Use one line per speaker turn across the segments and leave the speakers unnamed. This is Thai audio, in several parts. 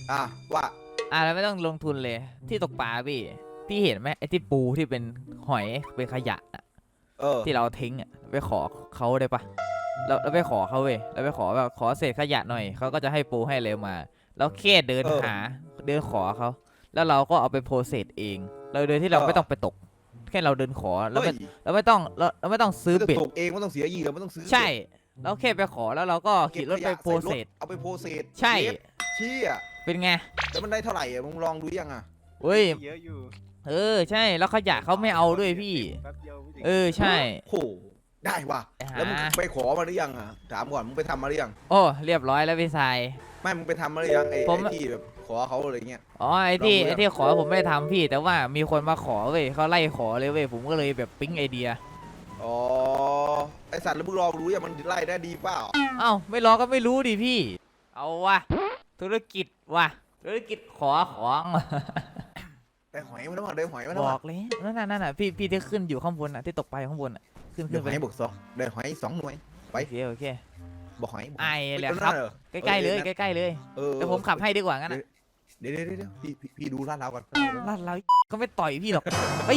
ว่า
แล้วไม่ต้องลงทุนเลยที่ตกปลาพี่เห็นไหมไอ้ที่ปูที่เป็นหอยเป็นขยะที่เราทิ้งไปขอเขาได้ปะเราไปขอเขาเราไปขอแบบขอเศษขยะหน่อยเขาก็จะให้ปูให้เลยมาแล้วแค่เดินเดินขอเขาแล้วเราก็เอาไปโพสเซสเองโดยที่เราไม่ต้องไปตกแค่เราเดินขอแล้วเราไม่ต้องซื้อเบ็ด
ตกเองไม่ต้องเสียเหยื่อไม่ต้องซื้อ
ใช่แล้วแค่ไปขอแล้วเราก็ขี่รถไปโพสเซส
เอาไปโพสเซส
ใช่
เชี่ย
เป็นไง
แล้วมันได้เท่าไหร่มึงลองดูยัง
เฮ้ย
เยอะอยู่
ใช่แล้วขยะเขาไม่เอาด้วยพี่ใช่
โหได้ว่ะแล้วมึงไปขอมาหรือยังถามก่อนมึงไปทำมาหรือยัง
โอ้เรียบร้อยแล้วพี่ชาย
ไม่มึงไปทำมาหรือยังไอ้ที่แบบขอเขาอะไรเงี้ย
ไอ้ที่ขอผมไม่ได้ทำพี่แต่ว่ามีคนมาขอเขาไล่ขอเลยผมก็เลยแบบปิ๊งไอเดีย
ไอสัตว์แล้วมึงลองรู้ยังมันไล่ได้ดีเปล่า
ไม่ลองก็ไม่รู้ดิพี่เอาวะธุรกิจขอของ
ได้หอยมาแล้วได้หอยมาแล้ว
บอกเลยนั่นพี่ที่ขึ้นอยู่ข้างบนที่ตกไปข้างบนขึ้น
ไปบวก2ได้หอย2 หน่วยไป
โอเค
บอกหอย
แหละครับใกล้ๆเลยเดี๋ยวผมขับให้ดีกว่างั้น
เดี๋ยวพี่ดูลาดเราก่อน
ลาดเราก็ไม่ต่อยพี่หรอกไป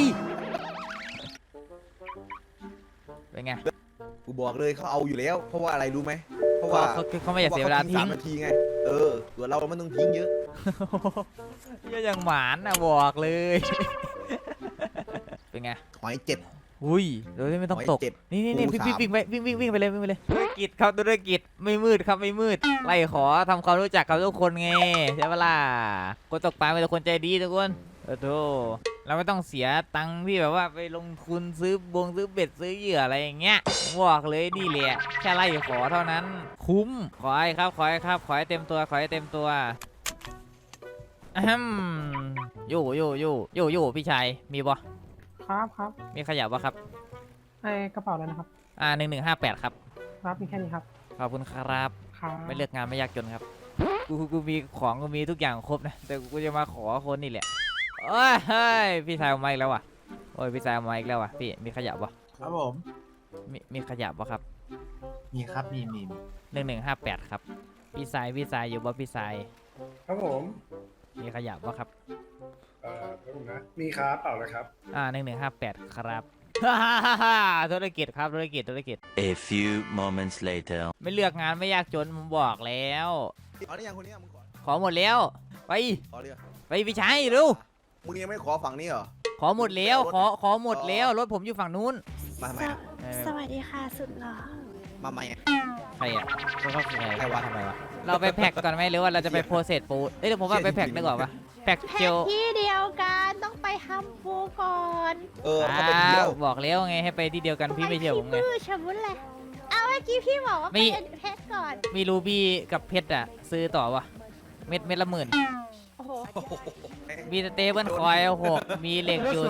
เป็นไง
กูบอกเลยเขาเอาอยู่แล้วเพราะว่าอะไรรู้ไหมเพราะว่า
เขาไม่อยากเสียเวลาทิ้ง
3 นาทีไงตัวเราไม่ต้องทิ้งเยอะ
ก็ยังหมานบอกเลยเป็นไง
หอย7
อุ้ยโดยที่ไม่ต้องตกนี่วิ่งไปเลยธุรกิจครับธุรกิจไม่มืดครับไม่มืดไล่ขอทำความรู้จักกับทุกคนไงใช่ปะล่ะคนตกปลาเป็นคนใจดีทุกคนโธ่เราไม่ต้องเสียตังค์ที่แบบว่าไปลงทุนซื้อเบ็ดซื้อเหยื่ออะไรอย่างเงี้ยบอกเลยนี่แหละแค่ไล่ขอเท่านั้นคุ้มขอให้เต็มตัวอยู่พี่ชายมีบ่
ครับ
มีขยับบ่ครับ
กระเป๋าเลยนะครับ
1158ครับ
มีแค่นี้ครับ
ขอบคุณครับไม่เลือกงานไม่ยากจนครับกูมีของกูมีทุกอย่างครบนะแต่กูจะมาขอคนนี่แหละโอ้ยพี่ชายเอาไม้แล้วว่ะพี่ชายเอาไม้แล้วว่ะพี่มีขยับบ่
ครับผม
มีขยับบ่ครับ
มีครับมี
1158ครับพี่ชายอยู่บ่พี่ชาย
ครับผม
มีขยับบ่ครับ
ผมนะมีครับเปล่าเลยครับ
1158ครับธุรกิจครับธุรกิจ
A few moments later
ไม่เลือกงานไม่ยากจนผมบอกแล้ว
ขอได้ยังคนนี้มึง
ขอหมดแล้วไปพี่ชายเร็ว
มึงยังไม่ขอฝั่งนี้เหรอ
ขอหมดแล้วขอหมดแล้วรถผมอยู่ฝั่งนู้น
มาไหม
สวัสดีค่ะสุดหล่อ
มาไหม
ใครเขาคือใครวะทำไมวะเราไปแพ็กก่อนไหมหรือว่าเราจะไปโพสเซสปูเดี๋ยวผมว่าไปแพ็กดีกว่าปะแพ็กเจล
ที่เดียวกันต้องไปทำปูก่อน
บอกแล้วไงให้ไปที่เดียวกันพี่ไม่เชื่อผมไง
ชบุ้นเลยเอาเมื่อกี้พี่บอกว่าเป็นเพชรก่อน
มีรูบี้กับเพชรซื้อต่อวะเม็ดละ10,000มีสเตเบิลคอย6มีเหล็กอยู่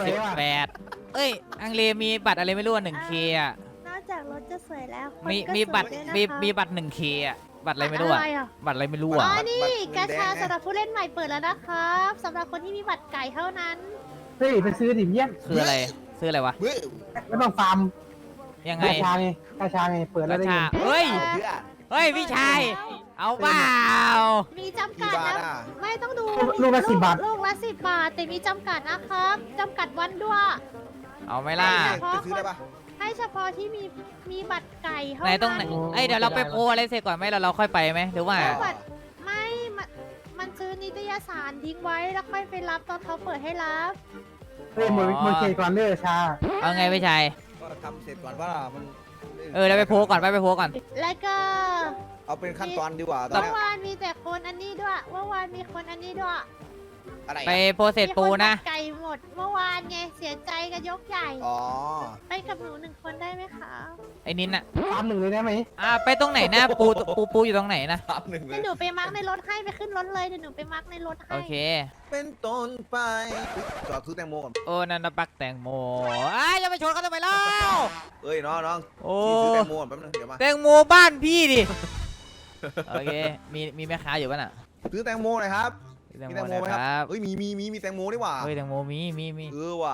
18อังเลมีบัตรอะไรไม่รู้1K
นอกจากรถจะสวยแล้ว
มีบัตร1K บัตรอะไรไม่รู้บัตรอะไรไม่รู้
นี่กาชาสำหรับผู้เล่นใหม่เปิดแล้วนะครับสำหรับคนที่มีบัตรไก่เท่านั้น
ไปซื้อดิเยี่ยม
คืออะไรซื้ออะไรวะ
ไม่ต้องฟาร์ม
ยังไง
กาชาไงเปิดแล้วได้ยิน
เฮ้ยพี่ชายเอาเปล่า
มีจำกัดนะไม่ต้องดู
ลูกละ10 บาท
ลูกละ10 บาทแต่มีจำกัดนะครับจำกัดวันด้วย
เอาไหมล่ะ
จะซื้อได้ปะ
ให้เฉพาะที่มีบัตรไก่เท่า
นั้นไหนต้องเดี๋ยวเราไปโพอะไรเสร็จก่อนไหมเราค่อยไปไหมหรือว่า
ไม่มันซื้อนิตยสารทิ้งไว้แล้วค่อยไปรับตอนเขาเปิดให้รับ
มือเคก่อนเด้อชา
เอาไงพี่ชาย
ก็ทำเสร็จก่อนว่ามัน
เราไปโพก่อนไปโพก่อน
แล้วก็
เอาเป็นขั้นตอนดีกว่า
เมื่อวานมีแต่คนอันนี้ด้วยเมื่อวานมีคนอันนี้ด้วย
ไปโพสเซสปูนะ
ไก่หมดเมื่อวานไงเสียใจกันยกใหญ่ไปกับหนู1 คนได้ไหมคะ
ไอ้นินอะ
ตาม1เลยได้ไหม
ไปตรงไหนนะปูอยู่ตรงไหนนะ
ตาม1เลย
หนูไปมาร์กในรถให้ไปขึ้นรถเลยเดี๋ยวหนูไปมาร์กในรถให้
โอเค
เป็นต้นไปจอดซื้อแตงโมก่อน
นันปักแตงโมอย่าไปชนเขาทำไมเล่า
น้องซื้อแตงโมก่อนแป๊บนึงเดี๋ยวมา
แตงโมบ้านพี่ดิโอเคมีแม่ค้าอยู่ป่ะน่ะ
ซื้อแตงโมหน่อยครับมีแตงโมไหมครับมีแตงโมนี่หว่า
แตงโมมี
ว่ะ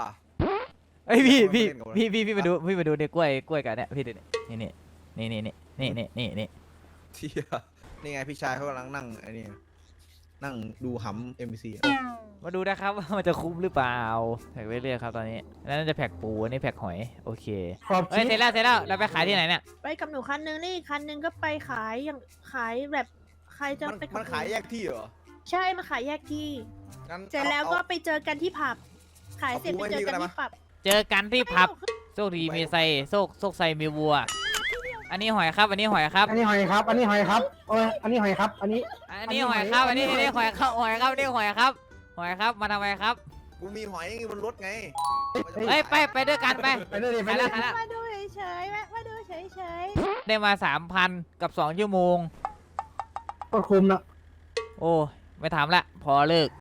พี่มาดูเด็กกล้วยกันเนี่ยพี่ดูนี่
เที่ยนี่ไงพี่ชายเขากำลังนั่งไอ้นี่นั่งดูหำ MBC อะ
มาดูนะครับว่ามันจะคุ้มหรือเปล่าแพ็กไปเรื่อยครับตอนนี้แล้วน่าจะแพ็กปูอันนี้แพ็กหอยโอเค
ขอบ
เฮ้ย
ชิด
เสร็จแล้วเราไปขายที่ไหนเนี่ย
ไปกับหนูคันนึงนี่อีกคันนึงก็ไปขายอย่างขายแบบใครจะ
มัน
ไปกับ
มันขายแยกที่เหรอ
ใช่มาขายแยกที่
งั้น
เสร็จแล้วก็
อา
ไปเจอกันที่ผับ ขายเสร็จ
เอา
ไป
ปู
เจอ
ไว้
กัน
นี่ก็ได้
ที่ผับ
เจอกันที่ผับโชคดีมีไซโชคไซมีวัว อันนี้หอยครับอันนี้หอยครับ
อันนี้หอยครับ อันนี้หอยครับโอ้ยอันนี้หอยครับ อันนี้
อันนี้หอยครับอันนี้หอยครับหอยครับนี่หอยครับหอยครับมาทำไมครับ
กูมีหอยบนรถไง
เฮ้ยไปด้วยกันไป
ไปเลยไป
ไป
เล
แล้ว
ย
ไปแล้ว
มาดูเฉยๆแวะมาดูเฉย
ได้มา 3,000 กับ 2 ชั่วโมง
ก็คุมเนาะ
โอ้ไม่ถามละพอเลิก